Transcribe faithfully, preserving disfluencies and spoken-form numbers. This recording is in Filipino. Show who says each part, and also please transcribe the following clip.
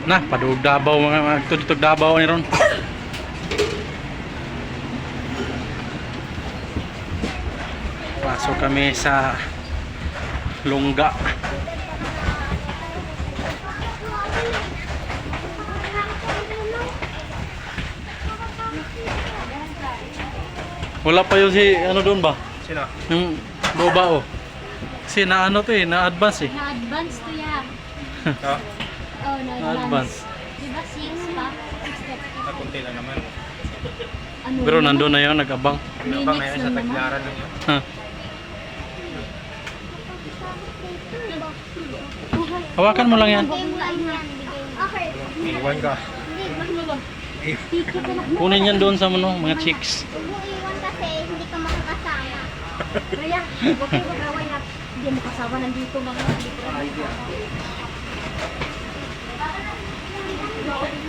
Speaker 1: Nah, padugdabaw mga mga tutug Dabaw ni ron. Pasok kami sa Lungga. Wala pa yun si ano doon ba?
Speaker 2: Sino?
Speaker 1: Yung boba oh. Kasi na ano to eh, na-advance eh.
Speaker 3: Na-advance to ya.
Speaker 2: Oh,
Speaker 3: Oh, na-advance.
Speaker 1: Na-advance.
Speaker 3: Diba six pa? six step.
Speaker 2: nakunti lang naman.
Speaker 3: Ano
Speaker 1: Pero
Speaker 3: yun?
Speaker 1: nandun na yun, nag-abang.
Speaker 2: Ano ba ngayon sa taglaran lang yun?
Speaker 1: Ha. Hawakan mo lang yan.
Speaker 3: Okay.
Speaker 2: Iwan ka.
Speaker 1: Kunin yan doon sa ano, mga chicks.
Speaker 3: Huwag mo iwan kasi hindi ka makakasama. Kaya, huwag kayo mag-away na hindi mo kasama nandito mga dito.